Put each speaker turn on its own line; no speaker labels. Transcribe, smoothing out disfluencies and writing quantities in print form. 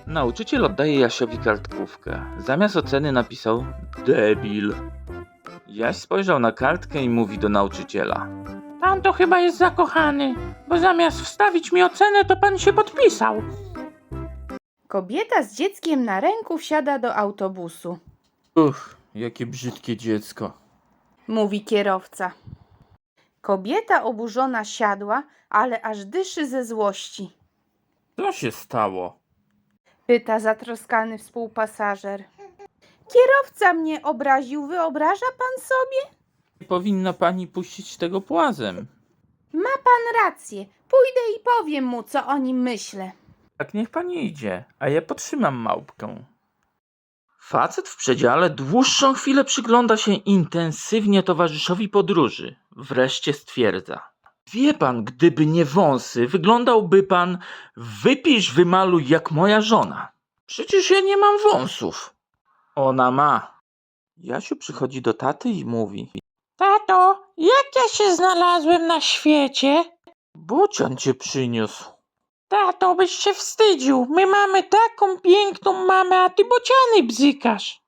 Nauczyciel oddaje Jasiowi kartkówkę. Zamiast oceny napisał debil. Jaś spojrzał na kartkę i mówi do nauczyciela.
Pan to chyba jest zakochany, bo zamiast wstawić mi ocenę, to pan się podpisał.
Kobieta z dzieckiem na ręku wsiada do autobusu.
Jakie brzydkie dziecko.
Mówi kierowca. Kobieta oburzona siadła, ale aż dyszy ze złości.
Co się stało?
Pyta zatroskany współpasażer. Kierowca mnie obraził, wyobraża pan sobie?
Nie powinna pani puścić tego płazem.
Ma pan rację, pójdę i powiem mu, co o nim myślę.
Tak niech pani idzie, a ja potrzymam małpkę. Facet w przedziale dłuższą chwilę przygląda się intensywnie towarzyszowi podróży. Wreszcie stwierdza. Wie pan, gdyby nie wąsy, wyglądałby pan wypisz, wymaluj jak moja żona. Przecież ja nie mam wąsów. Ona ma. Jasiu przychodzi do taty i mówi.
Tato, jak ja się znalazłem na świecie?
Bocian cię przyniósł.
Tato, byś się wstydził. My mamy taką piękną mamę, a ty bociany bzykasz.